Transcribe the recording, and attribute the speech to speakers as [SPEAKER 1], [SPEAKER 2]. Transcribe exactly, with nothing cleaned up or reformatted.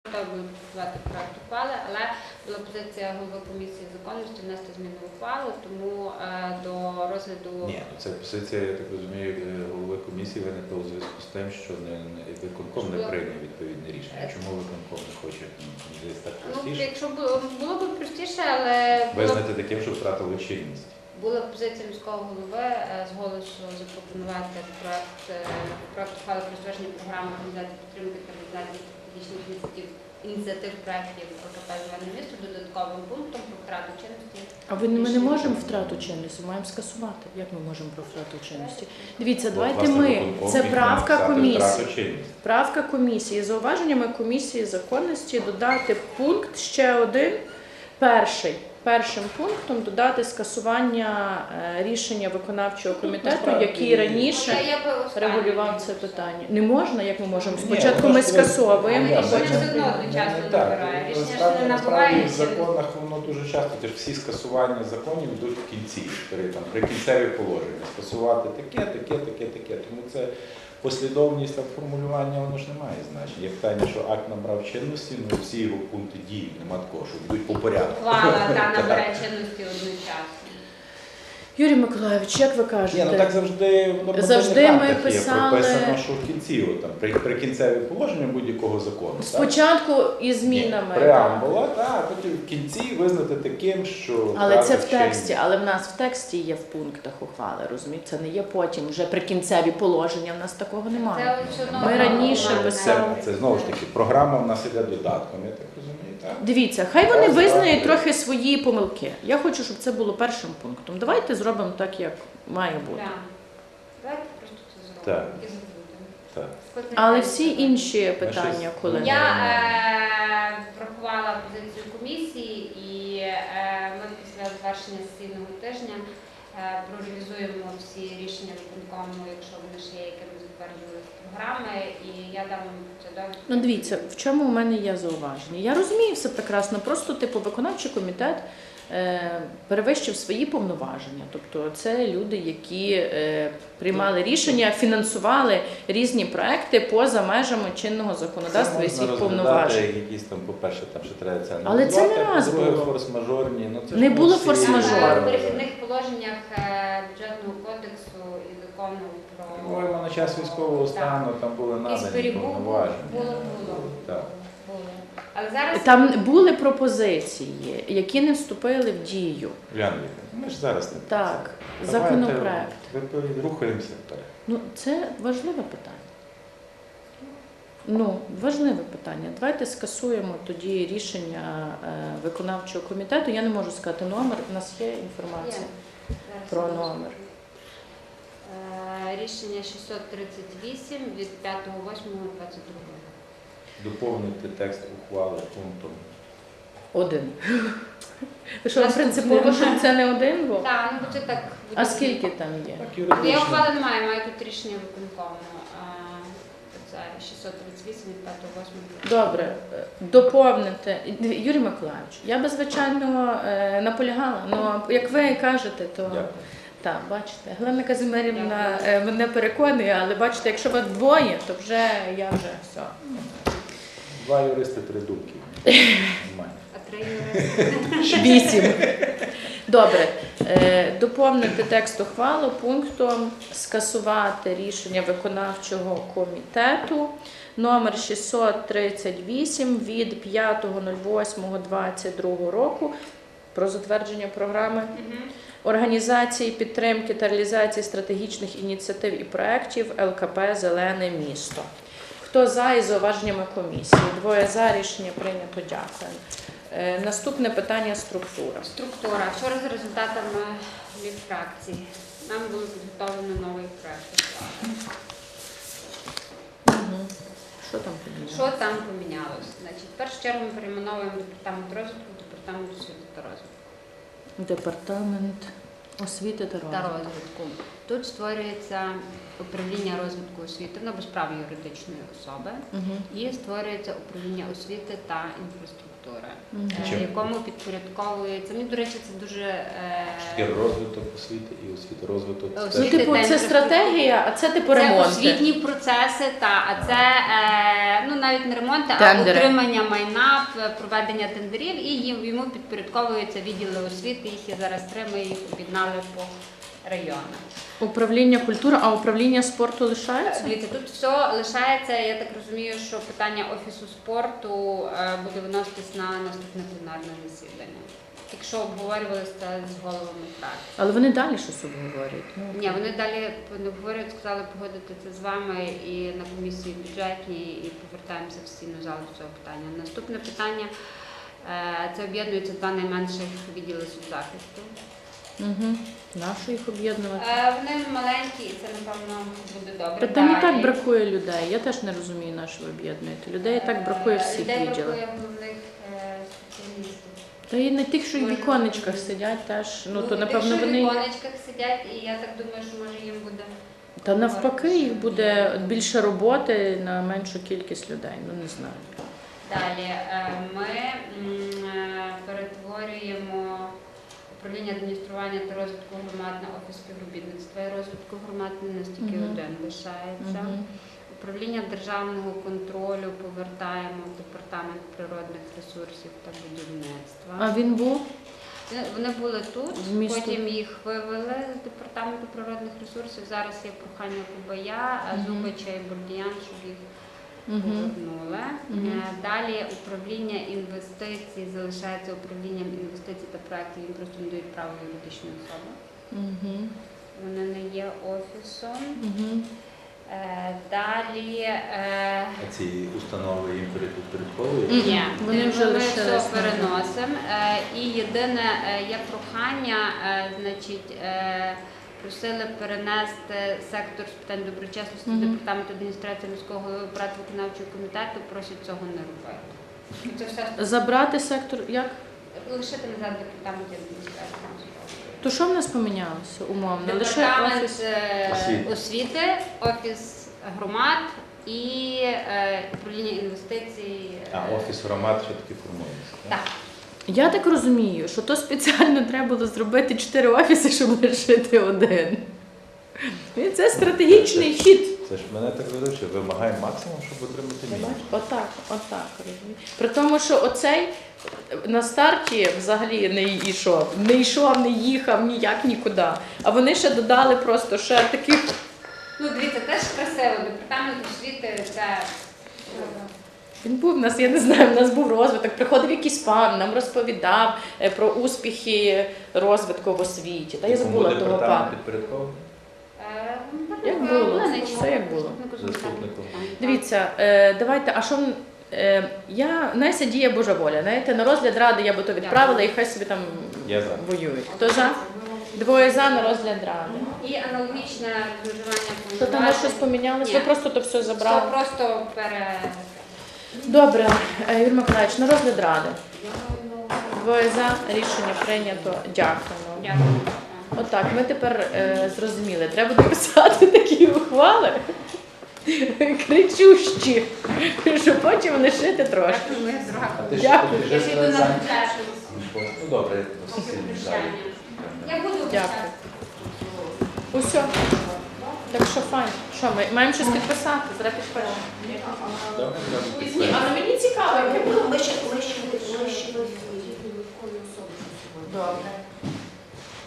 [SPEAKER 1] готові були підготувати проект ухвали, але була позиція голови комісії законності внести зміни в ухвалу, тому е, до розгляду...
[SPEAKER 2] Ні, це позиція, я так розумію, голови комісії виникла у зв'язку з тим, що не, не, виконком не прийняв відповідне рішення. Чому виконком не хоче? Ну, десь так простіше?
[SPEAKER 1] Ну, якщо було, було б простіше, але...
[SPEAKER 2] Визнати таким, що втратили чинність.
[SPEAKER 1] Була позиція міського голови з голосу запропонувати проект, проект ухвали про затвердження програми організації підтримки та реалізації стратегічних ініціатив, ініціатив проєктів ОКП «Зелене місто» додатковим пунктом про втрату чинності.
[SPEAKER 3] А ви, ми не можемо втрату чинності, маємо скасувати. Як ми можемо про втрату чинності? Дивіться, давайте ми, це правка комісії. Правка комісії. Зауваженнями комісії законності додати пункт ще один, перший. Першим пунктом додати скасування рішення виконавчого комітету, який раніше регулював це питання. Не можна, як ми можемо? Спочатку ми скасовуємо, а потім...
[SPEAKER 2] Насправді в законах воно дуже часто, тож всі скасування законів йдуть в кінці, там, прикінцеві положення. Скасувати таке, таке, таке, таке. Тому це послідовність там, формулювання, воно ж не має значення. Як питання, що акт набрав чинності, ну всі його пункти діють, нема такого, що йдуть по порядку.
[SPEAKER 1] Ухвала та набере чинності одночасно.
[SPEAKER 3] Юрій Миколайович, як ви кажете?
[SPEAKER 2] Ні, ну так завжди в
[SPEAKER 3] завжди ми писали...
[SPEAKER 2] є прописано, що в кінці, от, там, при, прикінцеві положення будь-якого закону.
[SPEAKER 3] Спочатку і змінами.
[SPEAKER 2] Преамбула, так, а потім в кінці визнати таким, що...
[SPEAKER 3] Але це в тексті, але в нас в тексті є в пунктах ухвали, розумієте? Це не є потім, вже прикінцеві положення, в нас такого немає. Ми раніше писали...
[SPEAKER 2] Це, це знову ж таки, програма в нас іде додатком, я так розумію. Так?
[SPEAKER 3] Дивіться, хай вони визнають трохи свої помилки. Я хочу, щоб це було першим пунктом. Давайте зробимо так, як має бути.
[SPEAKER 1] Давайте просто це зробимо і забудемо.
[SPEAKER 3] Але всі інші питання, коли...
[SPEAKER 1] Я е, врахувала позицію комісії і е, ми після завершення сесійного тижня е, прореалізуємо всі рішення виконкому, якщо вони ще є, які ми затверджували з програми, і я дам вам це довідку.
[SPEAKER 3] Ну дивіться, в чому у мене є зауваження. Я розумію все прекрасно, просто типу виконавчий комітет е, перевищив свої повноваження. Тобто це люди, які е, приймали рішення, фінансували різні проекти поза межами чинного законодавства і своїх повноважень.
[SPEAKER 2] Якісь там, по-перше, там ще треба це
[SPEAKER 3] Але це не раз було.
[SPEAKER 2] Форс-мажорні. Ну, це
[SPEAKER 3] не було форс-мажору.
[SPEAKER 1] В перехідних положеннях бюджетного кодексу і закону про...
[SPEAKER 2] Ну, на час військового стану там були надані повноваження.
[SPEAKER 1] Було, було.
[SPEAKER 2] Так.
[SPEAKER 1] Було. Але зараз...
[SPEAKER 3] Там були пропозиції, які не вступили в дію.
[SPEAKER 2] Уляна, ми ж зараз не
[SPEAKER 3] так, законопроект.
[SPEAKER 2] Давайте рухаємося вперед.
[SPEAKER 3] Ну, це важливе питання. Ну, важливе питання. Давайте скасуємо тоді рішення е, виконавчого комітету. Я не можу сказати номер, у нас є інформація
[SPEAKER 1] є.
[SPEAKER 3] про номер.
[SPEAKER 1] Е, рішення шістсот тридцять вісім від п'ятого восьмого двадцять другого.
[SPEAKER 2] Доповнити текст ухвали пунктом.
[SPEAKER 3] Один. Що, принципово, щоб це не один був?
[SPEAKER 1] Так, ну бо це так.
[SPEAKER 3] А скільки там є?
[SPEAKER 1] Я ухвали немає, маю тут рішення виконкому. Це шістсот тридцять вісім від п'ятого восьмого.
[SPEAKER 3] Добре, доповнити. Юрій Миколайович, я би, звичайно, наполягала, але як ви кажете, то...
[SPEAKER 2] Дякую.
[SPEAKER 3] Так, бачите, Галина Казимирівна мене переконує, але бачите, якщо вас двоє, то вже я вже все.
[SPEAKER 2] Два юристи, три думки.
[SPEAKER 1] А три юристи?
[SPEAKER 3] Вісім. Добре. Доповнити текст ухвали пунктом скасувати рішення виконавчого комітету номер шістсот тридцять вісім від п'ятого восьмого двадцять другого року про затвердження програми організації підтримки та реалізації стратегічних ініціатив і проєктів Л К П «Зелене місто». Хто за із зауваженнями комісії? Двоє за, рішення прийнято. Дякую. Е, наступне питання – структура.
[SPEAKER 1] Структура. Вчора за результатами фракції нам було підготовлено новий проєкт.
[SPEAKER 3] Угу. Що там помінялося?
[SPEAKER 1] Що там помінялося? Значить, в першу чергу ми перейменовуємо департамент розвитку в департамент освіти та розвитку.
[SPEAKER 3] Департамент освіти та розвитку.
[SPEAKER 1] Та розвитку. Тут створюється управління розвитку освіти, воно без права юридичної особи, угу. І створюється управління освіти та інфраструктури. культури,
[SPEAKER 3] Мгм.
[SPEAKER 1] е,
[SPEAKER 2] Чим?
[SPEAKER 1] якому підпорядковується. Ну, до речі, це дуже е,
[SPEAKER 2] Таке розвиток освіти і освіти, розвиток.
[SPEAKER 1] Освіти.
[SPEAKER 3] Ну,
[SPEAKER 2] теж.
[SPEAKER 3] типу,
[SPEAKER 1] День
[SPEAKER 3] це стратегія, а це типу
[SPEAKER 1] це
[SPEAKER 3] ремонти.
[SPEAKER 1] освітні процеси, та а це е, ну навіть не ремонти,
[SPEAKER 3] Тендери.
[SPEAKER 1] а утримання майна, п- проведення тендерів, і їм йому підпорядковуються відділи освіти. Їх є зараз три. Ми їх об'єднали по районах.
[SPEAKER 3] Управління культури, а управління спорту лишається?
[SPEAKER 1] Дивіться, тут все лишається. Я так розумію, що питання офісу спорту е, буде виноситись на наступне пленарне засідання. Якщо обговорювалися з головами фракцій.
[SPEAKER 3] Але вони далі щось обговорюють. Ну,
[SPEAKER 1] Ні, вони далі не обговорюють, сказали погодити це з вами і на комісії бюджетній, і повертаємося в сесійну залу до цього питання. Наступне питання е, це об'єднуються два найменших відділи соцзахисту.
[SPEAKER 3] Угу. Нащо їх об'єднувати?
[SPEAKER 1] Е, Вони маленькі, і це напевно буде добре.
[SPEAKER 3] Та там і так
[SPEAKER 1] Далі.
[SPEAKER 3] бракує людей. Я теж не розумію, на що ви об'єднуєте. Людей і так бракує
[SPEAKER 1] Е,
[SPEAKER 3] всіх
[SPEAKER 1] людей
[SPEAKER 3] відділах.
[SPEAKER 1] бракує головних е, спеціалістів.
[SPEAKER 3] Та і не тих, що й в
[SPEAKER 1] Може,
[SPEAKER 3] віконечках сидять, теж. Ну то
[SPEAKER 1] тих,
[SPEAKER 3] напевно
[SPEAKER 1] що в
[SPEAKER 3] вони.
[SPEAKER 1] віконечках сидять, і я так думаю, що може їм буде.
[SPEAKER 3] Та навпаки, їх буде більше роботи на меншу кількість людей. Ну не знаю.
[SPEAKER 1] Далі е, ми м, е, перетворюємо управління адміністрування та розвитку громад на офіс співробітництва і розвитку громад, не настільки
[SPEAKER 3] Мгм.
[SPEAKER 1] один лишається.
[SPEAKER 3] Мгм.
[SPEAKER 1] Управління державного контролю повертаємо в департамент природних ресурсів та будівництва.
[SPEAKER 3] А він був?
[SPEAKER 1] Вони- Вони були тут,
[SPEAKER 3] В місто.
[SPEAKER 1] потім їх вивели з департаменту природних ресурсів. Зараз є прохання Кубая,
[SPEAKER 3] Мгм.
[SPEAKER 1] Зубича і Бурдіян, щоб їх
[SPEAKER 3] Угу.
[SPEAKER 1] повернули.
[SPEAKER 3] Мгм.
[SPEAKER 1] Е, Далі управління інвестицій залишається управлінням інвестицій та проєктів. Їм просто надають право юридичної особи.
[SPEAKER 3] Угу.
[SPEAKER 1] Вони не є офісом.
[SPEAKER 3] Угу.
[SPEAKER 1] Е, Далі е,
[SPEAKER 2] А ці установи їм підпорядковують?
[SPEAKER 3] Мгм.
[SPEAKER 1] ні,
[SPEAKER 3] Вони вже
[SPEAKER 1] ми
[SPEAKER 3] лишились,
[SPEAKER 1] все переносимо. Е, І єдине е, є прохання, е, значить. е, Просили перенести сектор з питань доброчесності
[SPEAKER 3] Мгм.
[SPEAKER 1] з департаменту адміністрації міського голови працю виконавчого комітету, просять цього не робити. І це все
[SPEAKER 3] Забрати сектор. Як?
[SPEAKER 1] лишити назад департамент адміністрації міського голови.
[SPEAKER 3] То що в нас помінялося умовно? Лише
[SPEAKER 1] Департамент
[SPEAKER 3] офіс.
[SPEAKER 1] е,
[SPEAKER 2] Освіти.
[SPEAKER 1] освіти, офіс громад і е, управління інвестицій. е,
[SPEAKER 2] А офіс громад ще таки формується.
[SPEAKER 1] Так.
[SPEAKER 3] Я так розумію, що то спеціально треба було зробити чотири офіси, щоб лишити один. І це стратегічний хід.
[SPEAKER 2] Це ж мене так ведуче, вимагає максимум, щоб отримати мінімум.
[SPEAKER 3] Отак, отак, розумієш. При тому, що оцей на старті взагалі не йшов, не йшов, не їхав ніяк нікуди. А вони ще додали просто ще таких.
[SPEAKER 1] Ну, дивіться, теж красиво. Департамент освіти це.
[SPEAKER 3] Він був у нас, я не знаю, у нас був розвиток. Приходив якийсь пан, нам розповідав е, про успіхи розвитку в освіті. Та я
[SPEAKER 2] Кому
[SPEAKER 3] забула того
[SPEAKER 2] департамент
[SPEAKER 3] пана.
[SPEAKER 2] підпорядкований?
[SPEAKER 1] Е,
[SPEAKER 3] Як було?
[SPEAKER 1] Оленич,
[SPEAKER 3] Все як було.
[SPEAKER 1] заступнику з
[SPEAKER 2] Заступнику.
[SPEAKER 1] питань.
[SPEAKER 3] Дивіться, е, давайте, а що м, е, я Найся діє Божа воля. Знаєте, на розгляд ради я би то відправила і хай собі там
[SPEAKER 2] Я за.
[SPEAKER 3] воюють. Хто за? Двоє за на розгляд ради.
[SPEAKER 1] І аналогічне розмежування
[SPEAKER 3] То там може щось помінялося,
[SPEAKER 1] Ні.
[SPEAKER 3] ви просто то все
[SPEAKER 1] Все
[SPEAKER 3] забрали.
[SPEAKER 1] просто пере...
[SPEAKER 3] Добре, е, Юрій Миколаївич, на розгляд ради. Двоє за, рішення прийнято. Дякуємо.
[SPEAKER 1] Дякую.
[SPEAKER 3] Отак, ми тепер е, зрозуміли. Треба дописати такі ухвали кричущі, щоб потім лишити трошки.
[SPEAKER 1] Дякую, ми
[SPEAKER 2] А
[SPEAKER 1] зробимо.
[SPEAKER 2] ти ж
[SPEAKER 3] Дякую.
[SPEAKER 2] ти
[SPEAKER 1] Я
[SPEAKER 2] ж
[SPEAKER 1] ж йду на
[SPEAKER 2] зайнятий?
[SPEAKER 1] бюджет.
[SPEAKER 2] Ну добре,
[SPEAKER 1] Поки
[SPEAKER 2] сильно
[SPEAKER 1] прощання.
[SPEAKER 2] далі.
[SPEAKER 1] Я буду
[SPEAKER 3] Дякую. Усе. Так що файн. Що, ми маємо щось підписати? Зараз підпишемо.
[SPEAKER 2] Добре, добре,
[SPEAKER 3] Ні,
[SPEAKER 2] підписуємо.
[SPEAKER 3] але мені цікаво, як я буду.
[SPEAKER 4] Ми ще ми ще ми ще виконуємо особу.
[SPEAKER 3] Добре.